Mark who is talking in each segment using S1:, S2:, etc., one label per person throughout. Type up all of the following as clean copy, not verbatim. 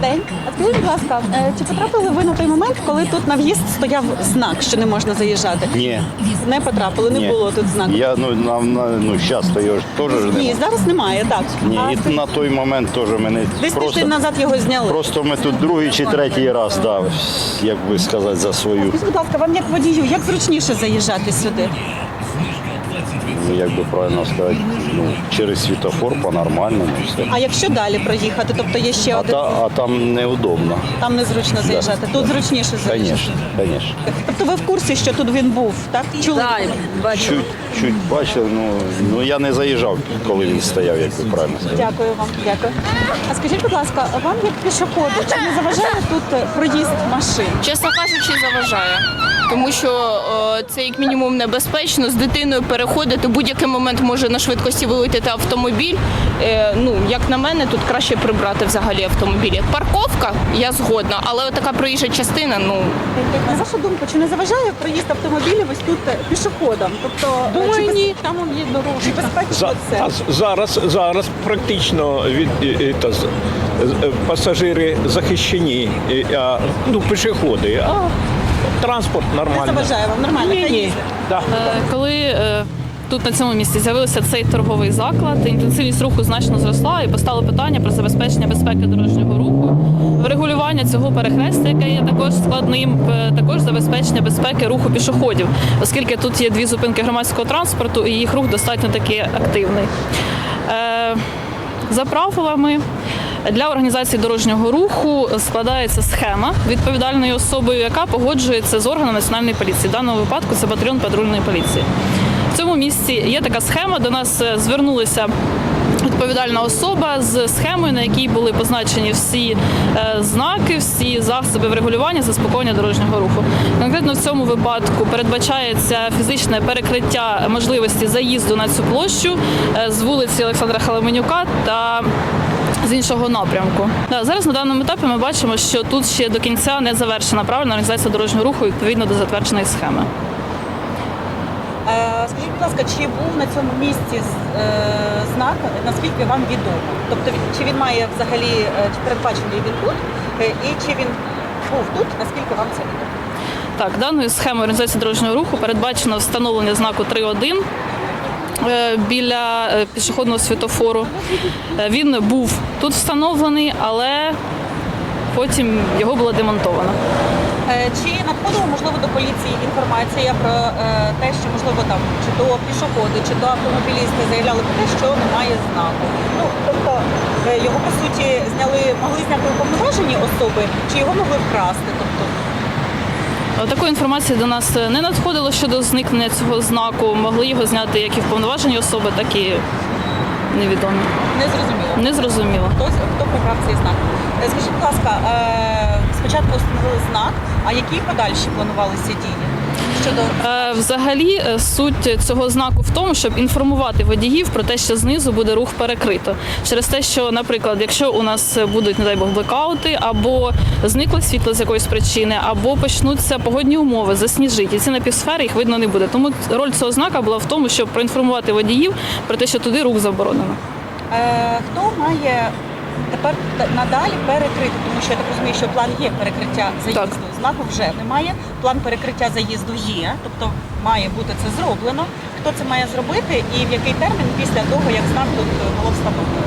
S1: день. А скажіть, будь ласка, чи потрапили ви на той момент, коли тут на в'їзд стояв знак, що не можна заїжджати?
S2: Ні.
S1: Не потрапили, не було тут знаку?
S2: Я, зараз то його ж теж ж
S1: Ні,
S2: немає.
S1: зараз немає, так.
S2: Ні,
S1: А
S2: і на той момент теж мене
S1: десь тиждень назад його зняли.
S2: Просто ми тут другий чи третій раз, як би сказати, за свою,
S1: Скажіть, будь ласка, вам як водію, як зручніше заїжджати сюди?
S2: як би правильно сказати, через світофор по-нормальному. Все.
S1: А якщо далі проїхати, тобто є ще один,
S2: А там неудобно.
S1: там незручно заїжджати, тут зручніше заїжджати?
S2: Звісно, звісно.
S1: Тобто ви в курсі, що тут він був, так? Чули?
S2: Чуть бачив, я не заїжджав, коли він стояв, як би правильно сказати.
S1: Дякую вам, дякую. А скажіть, будь ласка, вам як пішоходу, чи не заважає тут проїзд машин?
S3: Чесно кажучи, заважає. Тому що це як мінімум небезпечно, з дитиною переходити, в будь-який момент може на швидкості вилетіти автомобіль. Як на мене, тут краще прибрати взагалі автомобілі. Парковка, я згодна, але така проїжджа частина,
S1: На вашу думку, чи не заважає проїзд автомобілів ось тут пішоходам? Тобто,
S4: Думаю, ні.
S1: Там є дорога. Чи безпечно це?
S4: Зараз практично пасажири захищені, пішоходи, а транспорт
S1: Не
S4: нормально.
S1: заважає вам нормально?
S4: Ні. Да.
S5: Коли тут на цьому місці з'явився цей торговий заклад, інтенсивність руху значно зросла і постало питання про забезпечення безпеки дорожнього руху, врегулювання цього перехрестя, яке є також складним, також забезпечення безпеки руху пішоходів, оскільки тут є дві зупинки громадського транспорту і їх рух достатньо таки активний. За правилами, для організації дорожнього руху складається схема відповідальною особою, яка погоджується з органом національної поліції. В даному випадку це батальйон патрульної поліції. В цьому місці є така схема, до нас звернулася відповідальна особа з схемою, на якій були позначені всі знаки, всі засоби врегулювання, заспокоєння дорожнього руху. Конкретно в цьому випадку передбачається фізичне перекриття можливості заїзду на цю площу з вулиці Олександра Халеменюка та з іншого напрямку. Зараз на даному етапі ми бачимо, що тут ще до кінця не завершена правильна організація дорожнього руху відповідно до затвердженої схеми.
S1: Скажіть, будь ласка, чи був на цьому місці знак, наскільки вам відомо? Тобто, чи він має взагалі, чи передбачений він тут, і чи він був тут, наскільки вам це відомо?
S5: Так, даною схемою організації дорожнього руху передбачено встановлення знаку 3.1 біля пішохідного світлофору. Він був тут встановлений, але потім його було демонтовано.
S1: Чи надходила, можливо, до поліції інформація про те, що, можливо, там, чи то пішоходи, чи то автомобілісти заявляли про те, що немає знаку? Тобто, його, по суті, могли зняти уповноважені особи, чи його могли вкрасти? Тобто,
S5: Такої інформації до нас не надходило щодо зникнення цього знаку. Могли його зняти як і вповноважені особи, так і невідомі.
S1: не зрозуміло.
S5: Незрозуміло.
S1: Хто прибрав цей знак? Скажіть, будь ласка, спочатку встановили знак, а які подальші планувалися дії?
S5: Взагалі суть цього знаку в тому, щоб інформувати водіїв про те, що знизу буде рух перекрито. Через те, що, наприклад, якщо у нас будуть, не дай Бог, блекаути, або зникло світло з якоїсь причини, або почнуться погодні умови, засніжить, і ці напівсфери їх видно не буде. Тому роль цього знака була в тому, щоб проінформувати водіїв про те, що туди рух заборонено.
S1: Хто має тепер надалі перекрити, тому що я так розумію, що план є перекриття заїзду.
S5: Так.
S1: Знаку вже немає, план перекриття заїзду є, тобто має бути це зроблено. Хто це має зробити і в який термін після того, як знак тут було встановлено?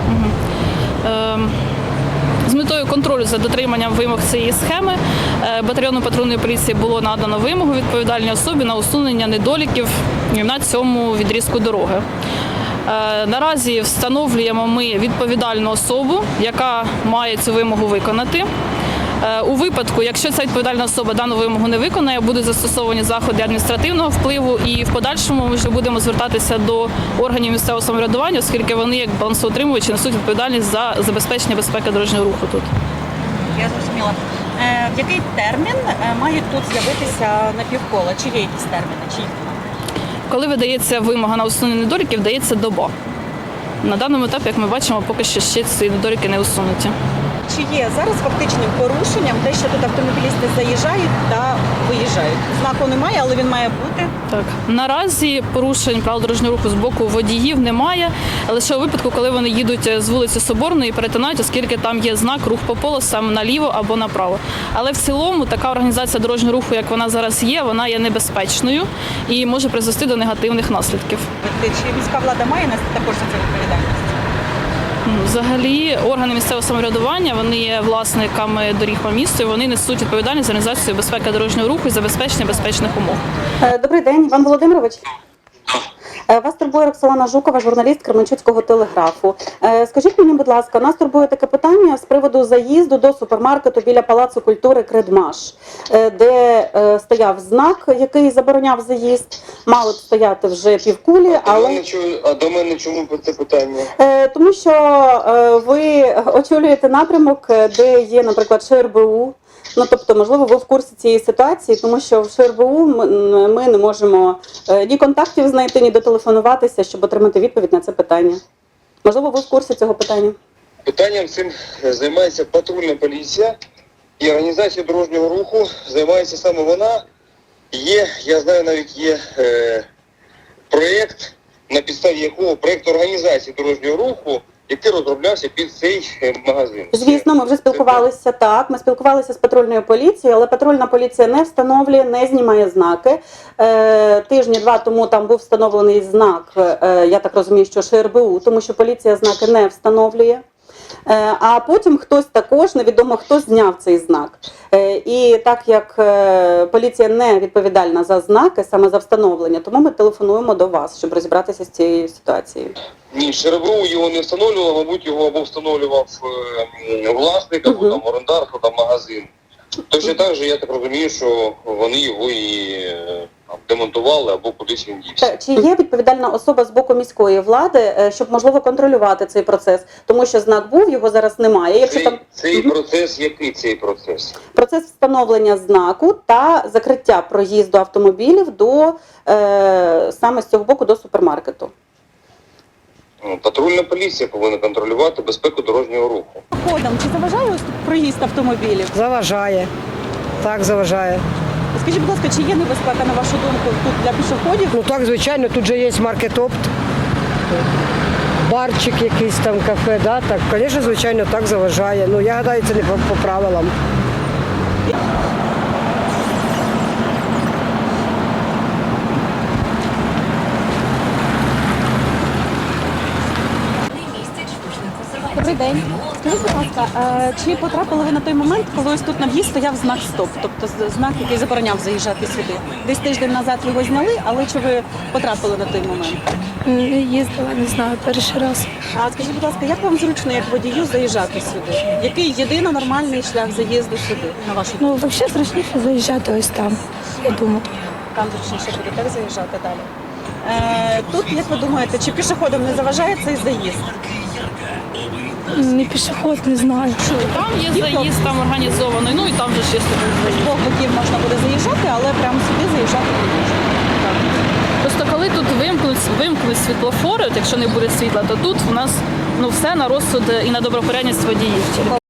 S5: З метою контролю за дотриманням вимог цієї схеми батальйону патрульної поліції було надано вимогу відповідальній особі на усунення недоліків на цьому відрізку дороги. Наразі встановлюємо ми відповідальну особу, яка має цю вимогу виконати. У випадку, якщо ця відповідальна особа дану вимогу не виконає, будуть застосовані заходи адміністративного впливу, і в подальшому ми вже будемо звертатися до органів місцевого самоврядування, оскільки вони, як балансоутримувачі, несуть відповідальність за забезпечення безпеки дорожнього руху тут.
S1: Я зрозуміла. В який термін мають тут з'явитися напівкола? Чи є якісь терміни? Чи їх немає?
S5: Коли видається вимога на усунення недоліків, дається доба. На даному етапі, як ми бачимо, поки що ще ці недоліки не усунуті.
S1: чи є зараз фактичним порушенням те, що тут автомобілісти заїжджають та виїжджають? Знаку немає, але він має бути.
S5: Так, наразі порушень правил дорожнього руху з боку водіїв немає, лише у випадку, коли вони їдуть з вулиці Соборної і перетинають, оскільки там є знак рух по полосам наліво або направо. Але в цілому така організація дорожнього руху, як вона зараз є, вона є небезпечною і може призвести до негативних наслідків.
S1: Чи міська влада має нести також за це відповідальність?
S5: Взагалі, органи місцевого самоврядування, вони є власниками доріг по місту, і вони несуть відповідальність за організацію безпеки дорожнього руху і забезпечення безпечних умов.
S6: Добрий день, Іван Володимирович. Вас турбує Роксолана Жукова, журналіст Кременчуцького телеграфу. Скажіть мені, будь ласка, нас турбує таке питання з приводу заїзду до супермаркету біля Палацу культури «Кредмаш», де стояв знак, який забороняв заїзд. Мали б стояти вже півкулі, але...
S7: А до мене чому це питання?
S6: Тому що ви очолюєте напрямок, де є, наприклад, ШРБУ. Ну, тобто, можливо, ви в курсі цієї ситуації, тому що в ШРБУ ми не можемо ні контактів знайти, ні дотелефонуватися, щоб отримати відповідь на це питання. Можливо, ви в курсі цього питання?
S7: Питанням цим займається патрульна поліція і організація дорожнього руху займається саме вона. Я знаю, навіть є проєкт, на підставі якого проєкт організації дорожнього руху, який розроблявся під цей магазин.
S6: Звісно, ми вже спілкувалися, так, ми спілкувалися з патрульною поліцією, але патрульна поліція не встановлює, не знімає знаки. Тижні-два тому там був встановлений знак, я так розумію, що ШРБУ, тому що поліція знаки не встановлює. А потім хтось також, невідомо хто, зняв цей знак. І так як поліція не відповідальна за знаки, саме за встановлення, тому ми телефонуємо до вас, щоб розібратися з цією ситуацією.
S7: Ні, ШРБУ його не встановлював, мабуть, його або встановлював власник, або там орендар, або там магазин. Точно так же, я так розумію, що вони його і демонтували або кудись він дівся.
S6: Чи є відповідальна особа з боку міської влади, щоб, можливо, контролювати цей процес? Тому що знак був, його зараз немає. Якщо
S7: Цей процес, який цей процес?
S6: Процес встановлення знаку та закриття проїзду автомобілів до саме з цього боку до супермаркету.
S7: Патрульна поліція повинна контролювати безпеку дорожнього руху.
S1: Ходом, чи заважає ось тут проїзд автомобілів?
S8: Заважає. Так, заважає.
S1: Скажіть, будь ласка, чи є небезпека, на вашу думку, тут для пішоходів?
S8: Ну так, звичайно, тут же є маркетопт, барчик якийсь там, кафе, да? Так, звісно, звичайно, так заважає. Ну, я гадаю, це не по правилам.
S1: Добрий день. Скажіть, будь ласка, чи потрапили ви на той момент, коли ось тут на в'їзд стояв знак «Стоп», тобто знак, який забороняв заїжджати сюди? Десь тиждень назад його зняли, але чи ви потрапили на той момент?
S9: Їздила, не знаю, перший раз.
S1: А скажіть, будь ласка, як вам зручно, як водію, заїжджати сюди? Який єдино нормальний шлях заїзду сюди, на вашу думку?
S9: Ну, взагалі зручніше заїжджати ось там, я думаю.
S1: Там зручніше буде так заїжджати далі. Тут, як ви думаєте, чи пішоходам не заважає цей заїзд?
S9: Не пішоход, не знаю.
S5: Там є заїзд, там організований, ну і там же ще
S1: З двох боків можна буде заїжджати, але прямо сюди заїжджати не можна.
S5: Просто коли тут вимкнуть світлофори, от якщо не буде світла, то тут у нас все на розсуд і на добропорядність водіїв.